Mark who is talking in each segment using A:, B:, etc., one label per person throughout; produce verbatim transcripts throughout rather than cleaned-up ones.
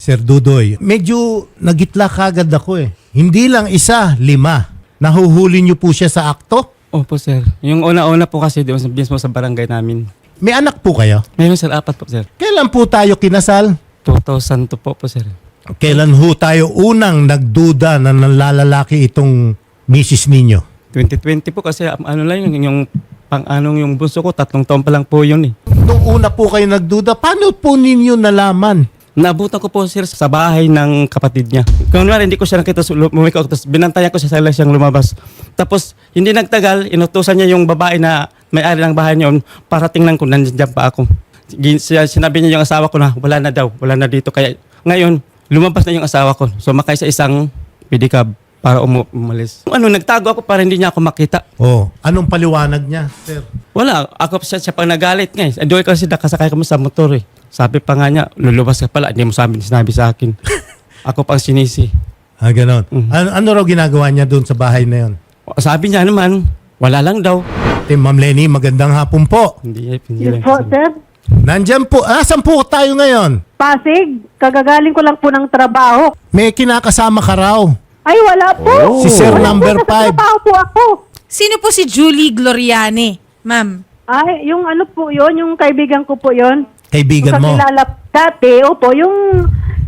A: Sir Dudoy, medyo nagitla kagad ako eh. Hindi lang isa, lima. Nahuhuli niyo po siya sa akto?
B: Opo, sir. Yung una-una po kasi doon sa mismo sa barangay namin.
A: May anak po kayo?
B: Ngayon, sir, apat po, sir.
A: Kailan po tayo kinasal?
B: two thousand two po po, sir.
A: Kailan ho tayo unang nagduda na nanlalalaki itong misis ninyo?
B: twenty twenty po kasi um, ano lang yung, yung pang-anong yung bunso ko, tatlong taon pa lang po yun eh.
A: Nung una po kayo nagduda, paano po ninyo nalaman?
B: Naabutan ko po, sir, sa bahay ng kapatid niya. Kung naman, hindi ko siya nakita, so, lumiko ako, tapos binantayan ko siya sa siyang lumabas. Tapos, hindi nagtagal, inutusan niya yung babae na may-ari ng bahay niya, para tingnan ko, nandiyan pa ako. Gin- siya- Sinabi niya yung asawa ko na, wala na daw, wala na dito. Kaya, ngayon, lumabas na yung asawa ko. So, makay sa isang pedicab para umu- umalis. Ano, nagtago ako para hindi niya ako makita.
A: Oh, anong paliwanag niya, sir?
B: Wala, ako siya, siya pang nagalit nga eh. Doon kasi nakasakay kami sa motor eh. Sabi pa nga niya, lulubas ka pala, hindi mo sabi, sinabi sa akin. Ako pang sinisi.
A: Ah, ganon.
B: Mhm.
A: Ano, ano raw ginagawa niya doon sa bahay na yun?
B: Sabi niya naman, wala lang daw.
A: Ate, Ma'am Lenny, magandang hapon po.
B: Hindi, hindi
C: Yes
B: lang.
C: po, sir.
A: Nandyan po, ah, saan po tayo ngayon?
C: Pasig, kagagaling ko lang po ng trabaho.
A: May kinakasama ka raw.
C: Ay, wala po.
A: Si Sir number
C: Nasa
A: five.
C: trabaho po ako.
D: Sino po si Julie Gloriani, ma'am?
C: Ay, yung ano po yun, yung kaibigan ko po yun.
A: Kaibigan
C: Kung
A: mo.
C: sa kilala dati, opo, yung,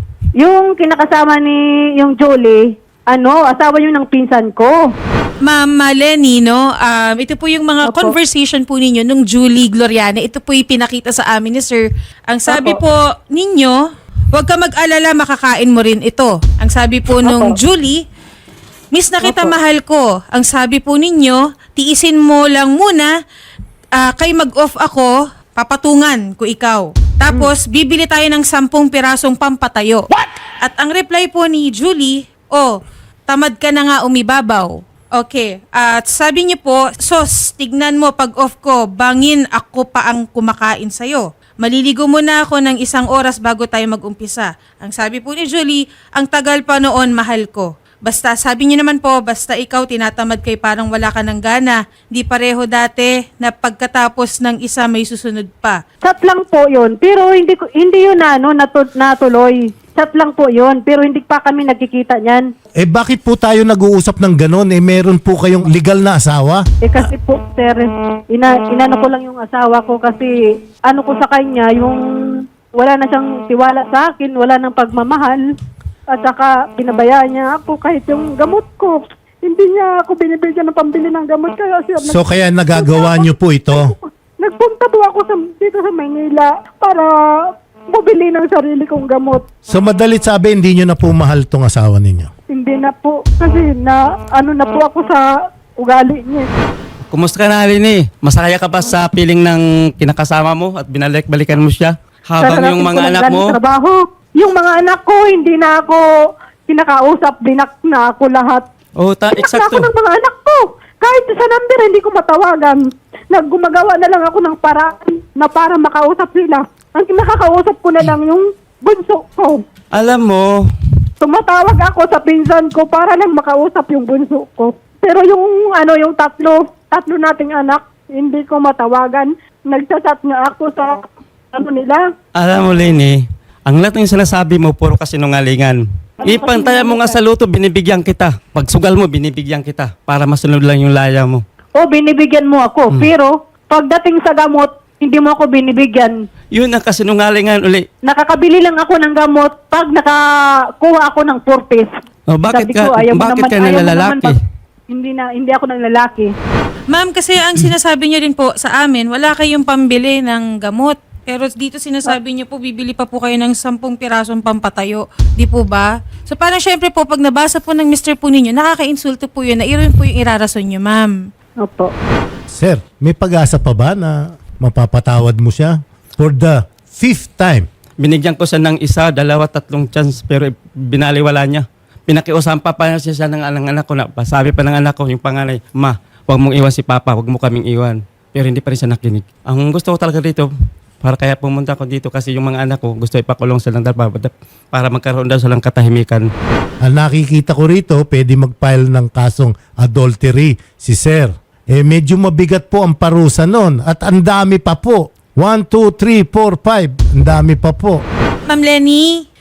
C: yung kinakasama ni, yung Julie, ano, asawa yun ng pinsan ko.
D: Ma'am Lenny, no? Um, ito po yung mga
C: Opo.
D: conversation po ninyo nung Julie Gloriani. Ito po yung pinakita sa amin ni Sir. Ang sabi
C: Opo.
D: po ninyo, huwag ka mag-alala, makakain mo rin ito. Ang sabi po nung
C: Opo.
D: Julie, Miss na kita,
C: Opo.
D: mahal ko. Ang sabi po ninyo, tiisin mo lang muna, ah, kay mag-off ako, papatungan ko ikaw. Tapos, bibili tayo ng sampung pirasong pampatayo. At ang reply po ni Julie, oh, tamad ka na nga umibabaw. Okay. At sabi niyo po, sos, tignan mo pag off ko, bangin ako pa ang kumakain sa'yo. Maliligo muna ako ng isang oras bago tayo mag-umpisa. Ang sabi po ni Julie, ang tagal pa noon, mahal ko. Basta, sabi niyo naman po, basta ikaw tinatamad kay parang wala ka ng gana. Di pareho dati na pagkatapos ng isa may susunod pa.
C: Chat lang po yun, pero hindi ko hindi yun na, ano, natu- natuloy. Chat lang po yun, pero hindi pa kami nagkikita niyan.
A: Eh bakit po tayo nag-uusap ng ganon? Eh meron po kayong legal na asawa?
C: Eh kasi po, sir, ina, inano ko lang yung asawa ko kasi ano ko sa kanya, yung wala na siyang tiwala sa akin, wala nang pagmamahal. At saka pinabayaan niya ako kahit yung gamot ko. Hindi niya ako binibigyan ng pambili ng gamot. Kaya siya,
A: So kaya nagagawa niyo po ito?
C: nagpunta po ako sa, dito sa Maynila para bumili ng sarili kong gamot.
A: So madalit sabi, hindi niyo na po mahal tong asawa ninyo?
C: Hindi na po. Kasi na, ano na po ako sa ugali niya.
B: Kumusta ka na, Lini? Masaya ka ba sa piling ng kinakasama mo at binalik-balikan mo siya? Habang
C: Sarapin
B: yung
C: ko
B: mga
C: lang
B: anak
C: galing
B: mo,
C: Trabaho. Yung mga anak ko, hindi na ako kinakausap, binak na ako lahat.
B: oh, ta-
C: Binak na
B: eksakto.
C: ako ng mga anak ko. Kahit sa number, hindi ko matawagan. Naggumagawa na lang ako ng paraan na para makausap sila. Ang nakakausap ko na lang yung bunso ko.
B: Alam mo,
C: Tumatawag ako sa pinsan ko para lang makausap yung bunso ko. Pero yung ano yung tatlo, tatlo nating anak, hindi ko matawagan. Nagchat nga ako sa ano nila.
B: alam mo, Lini, ang lahat ng sinasabi mo, puro kasinungalingan. Ipantayan mo nga sa luto, binibigyan kita. Pag sugal mo, binibigyan kita. Para masunod lang yung laya mo.
C: O binibigyan mo ako, pero pagdating sa gamot, hindi mo ako binibigyan.
B: Yun ang kasinungalingan uli.
C: Nakakabili lang ako ng gamot pag nakakuha ako ng four piece.
B: Oh, bakit
C: Sabi
B: ka-
C: ko, ayaw mo
B: bakit
C: naman-
B: ka
C: ayaw mo
B: nalalaki?
C: naman pag- hindi na hindi ako ng lalaki.
D: Ma'am, kasi ang sinasabi niyo din po sa amin, wala kayong pambili ng gamot. Pero dito sinasabi niyo po, bibili pa po kayo ng sampung pirasong pampatayo. Di po ba? So parang syempre po, pag nabasa po ng mister po ninyo, nakaka-insulto po yun na iyon po yung irarason niyo, ma'am.
C: Opo.
A: Sir, may pag-asa pa ba na mapapatawad mo siya? For the fifth time.
B: Binigyan ko siya ng isa, dalawa, tatlong chance, pero binaliwala niya. Pinakiusapan pa pa siya ng anak, anak ko na, sabi pa ng anak ko, yung panganay, ma, huwag mong iwan si Papa, huwag mo kaming iwan. Pero hindi pa rin siya nakinig. Ang gusto ko talaga dito, para kaya pumunta ko dito kasi yung mga anak ko, gusto ipakulong silang dalawa para magkaroon daw silang katahimikan.
A: Ang nakikita ko rito, pwede mag-file ng kasong adultery si Sir. Eh medyo mabigat po ang parusa nun at ang dami pa po. one, two, three, four, five. Ang dami pa po.
D: Ma'am Lenny,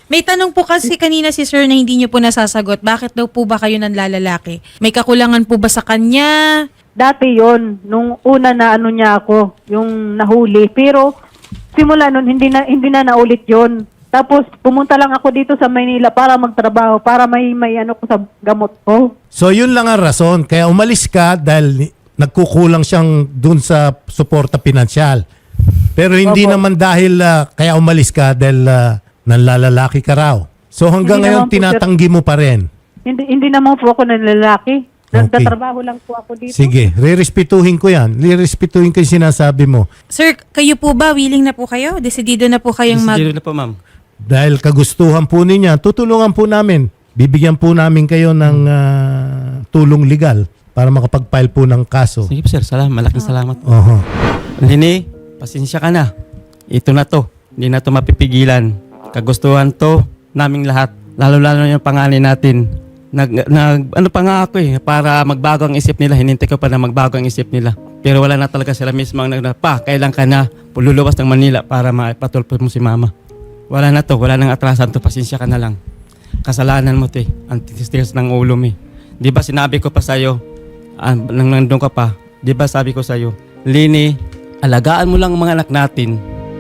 D: May tanong po kasi kanina si sir na hindi niyo po nasasagot. Bakit daw po ba kayo nanlalalaki? May kakulangan po ba sa kanya?
C: Dati yon nung una na ano niya ako, yung nahuli. Pero simula nun, hindi na, hindi na naulit yon. Tapos pumunta lang ako dito sa Maynila para magtrabaho, para may, may ano ko sa gamot ko.
A: So yun lang ang rason. Kaya umalis ka dahil ni- nagkukulang siyang dun sa suporta pinansyal. Pero hindi
C: Opo.
A: naman dahil ah, kaya umalis ka dahil ah, nanlalalaki ka raw. So hanggang
C: Hindi
A: ngayon
C: naman po, sir.
A: tinatanggi mo pa rin.
C: Hindi hindi naman po ako ng lalaki. Nagtatrabaho lang po ako dito.
A: Sige, re-respetuhin ko yan. Re-respetuhin ko yung sinasabi mo.
D: Sir, kayo po ba? Willing na po kayo? Desidido na po kayong mag...
B: Desidido na po, ma'am.
A: Dahil kagustuhan po niya, tutulungan po namin. Bibigyan po namin kayo ng ah, tulong legal para makapag-file po ng kaso.
B: Sige po, sir. Salamat. Malaking salamat.
A: Oho.
B: Lini, pasensya ka na. Ito na to. Hindi na to mapipigilan. Kagustuhan to naming lahat. Lalo-lalo yung pangalan natin. Nag, nag, ano pa nga ako eh, para magbago ang isip nila. Hinintay ko pa na magbago ang isip nila. Pero wala na talaga sila mismo ang nag, pa, kailan ka na luluwas ng Manila para maipatulpo mo si mama. Wala na to, wala nang atrasan to. Pasensya ka na lang. Kasalanan mo to eh. Ang titis ng ulo mo eh. Di ba sinabi ko pa sa'yo, ah, nang nandun ka pa, di ba sabi ko sa'yo, Lini, alagaan mo lang ang mga anak natin.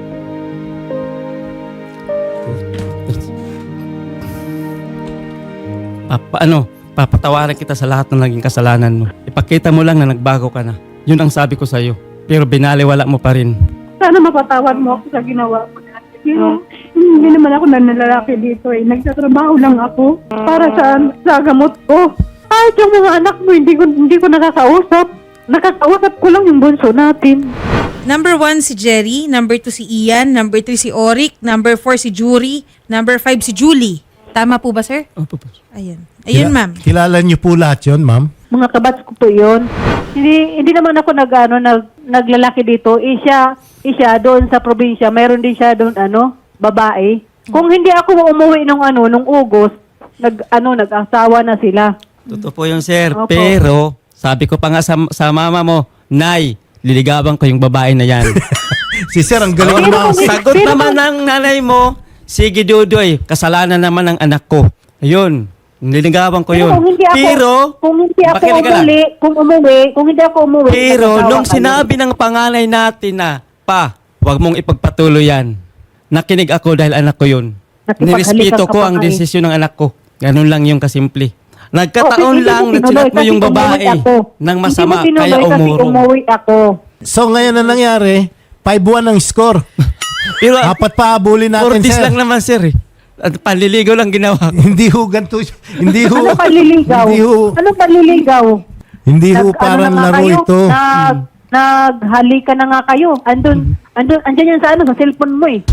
B: Papa, ano, papatawaran kita sa lahat ng naging kasalanan mo. Ipakita mo lang na nagbago ka na. Yun ang sabi ko sa'yo. Pero binaliwala mo pa rin.
C: Sana mapatawad mo ako sa ginawa ko. Pero hindi naman ako nanlalaki dito eh. Nagtatrabaho lang ako para sa, sa gamot ko. Kahit yung mga anak mo, hindi ko, hindi ko nakakausap. Nakakausap ko lang yung bunso natin.
D: Number one si Jerry, number two si Ian, number three si Oric, number four si Jury, number five si Julie. Tama po ba, sir?
B: Opo, po.
D: Ayun. Ayun,
A: Kila-
D: ma'am.
A: Kilala niyo po lahat yun, ma'am?
C: Mga kabats ko po yun. Hindi, hindi naman ako nag, ano, nag, naglalaki dito. Isya, isya doon sa probinsya. Mayroon din siya doon, ano, babae. Kung hindi ako umuwi nung, ano, nung August, nag, ano, nag-asawa na sila.
B: Totoo po yun, sir.
C: Opo.
B: Pero, sabi ko pa nga sa, sa mama mo, Nay, liligawan ko yung babae na yan.
A: Si Sir, ang galing
C: Pero
A: mo.
C: kung-
B: Sagot
C: Pero
B: naman
C: kung-
B: ng nanay mo, sige Dudoy, kasalanan naman ng anak ko. Ayun, nililigawan ko
C: Pero
B: yun.
C: kung hindi ako,
B: Pero,
C: kung hindi ako
B: makinig ka lang.
C: umuwi, kung umuwi, kung hindi ako umuwi,
B: Pero
C: nag-asawa
B: nung
C: kayo.
B: sinabi ng panganay natin na, pa, wag mong ipagpatuloy yan. Nakinig ako dahil anak ko yun.
C: Nakipaghalikan
B: Nirespeto
C: ka
B: ko
C: pa
B: ang
C: kayo.
B: desisyon ng anak ko. Ganun lang yung kasimple. Nagkataon
C: Okay,
B: lang
C: hindi
B: na
C: mo
B: chinat
C: tinuloy
B: mo yung
C: kasi umuwi
B: babae
C: ako.
B: ng masama,
C: Hindi mo
B: kaya
C: tinuloy kasi
B: umurong.
C: umuwi ako.
A: So ngayon na nangyari, five one ang score.
B: Pero
A: Apat pa abulin
B: four
A: natin,
B: days
A: Sir.
B: lang naman, sir. Eh. At panliligaw lang ginawa ko.
A: Hindi ho ganito. Hindi ho.
C: Ano panliligaw?
A: Hindi ho.
C: Ano panliligaw?
A: Hindi ho
C: Nag-
A: parang
C: ano na nga
A: laro
C: kayo?
A: ito.
C: Nag, naghalikan na nga kayo. Andun, andun, andyan yan sa ano, sa cellphone mo eh.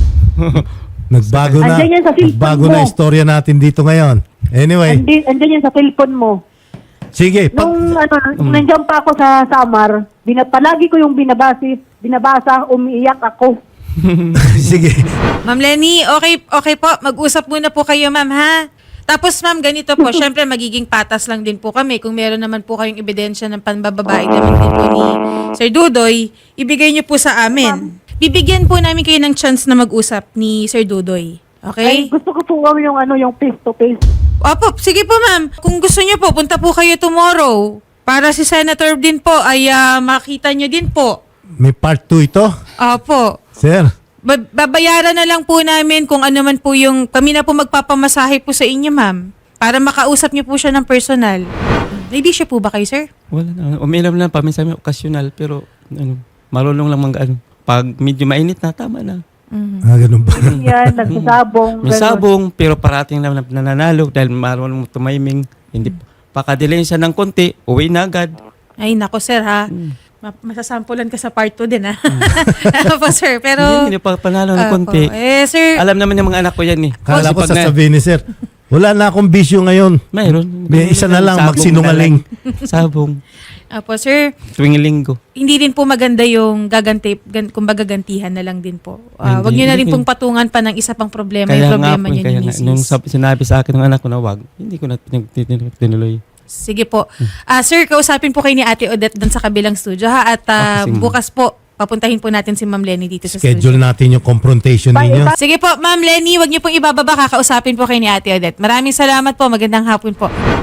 A: Nagbago na.
C: Andyan yan sa cellphone
A: Nagbago
C: mo.
A: na istorya natin dito ngayon. Anyway,
C: Andyan, andyan yan sa cellphone mo.
A: sige. Pag,
C: Nung ano, nung nandiyan pa ako sa Samar, bina, palagi ko yung binabasi, binabasa, umiiyak ako.
A: sige.
D: Ma'am Lenny, okay, okay po. Mag-usap muna po kayo, ma'am, ha? Tapos, ma'am, ganito po. Siyempre, magiging patas lang din po kami. Kung meron naman po kayong ebidensya ng panbababae naman din po ni Sir Dudoy, ibigay niyo po sa amin. Bibigyan po namin kayo ng chance na mag-usap ni Sir Dudoy.
C: Ay,
D: Okay?
C: gusto ko po gawin yung ano, yung face to face.
D: Opo, sige po, ma'am. Kung gusto niyo po, punta po kayo tomorrow. Para si Senator din po ay ah, makita niyo din po.
A: May part two ito.
D: Opo.
A: Sir,
D: Ba- babayaran na lang po namin kung ano man po yung, kami na po magpapamasahe po sa inyo, ma'am. Para makausap niyo po siya ng personal. Ready siya po ba kayo, sir?
B: Wala na. Uminom lang pa. Minsan may okasyonal. Pero, ano, marunong lang mang ano. Pag medyo mainit na, tama na.
A: ah, ganun ba?
C: Yan, nagsasabong.
B: May
C: ganun.
B: sabong, pero parating naman na nananalo dahil marunong mo tumiming. Hindi, pakadilayin siya ng konti, uwi na agad.
D: Ay, nako, sir, ha? Ma- masasampulan ka sa part two din, ha? Opo, sir. Pero,
B: Hindi, hindi pa panalo ng
D: Opo.
B: konti.
D: Eh, sir,
B: Alam naman yung mga anak ko yan eh.
A: Kala
B: Kasi
A: ko
B: pag na-
A: sasabihin ni Sir, wala na akong bisyo ngayon.
B: Mayroon.
A: May isa na lang,
B: Sabong
A: magsinungaling.
B: na lang. Sabong.
D: opo, sir,
B: Tuwing linggo.
D: hindi din po maganda yung gaganti, gan, kumbaga gantihan na lang din po. Ah,
B: Hindi,
D: wag niyo na
B: hindi
D: rin
B: ko-
D: pong patungan pa ng isa pang problema,
B: Kaya
D: yung
B: nga
D: problema
B: po,
D: niyo
B: kaya
D: ni
B: nga,
D: Missus
B: nung sab- sinabi sa akin ng anak ko na wag, hindi ko na tin- tin- tin- tinuloy.
D: Sige po. Ah, sir, kausapin po kayo ni Ate Odette doon sa kabilang studio, ha? At ah,
B: Okay, sige.
D: bukas po, papuntahin po natin si Ma'am Lenny dito sa
A: Schedule
D: studio.
A: natin yung confrontation
C: Bye,
A: ninyo.
C: bye.
D: Sige po, Ma'am Lenny, wag niyo pong ibababa, kakausapin po kay ni Ate Odette. Maraming salamat po, magandang hapon po.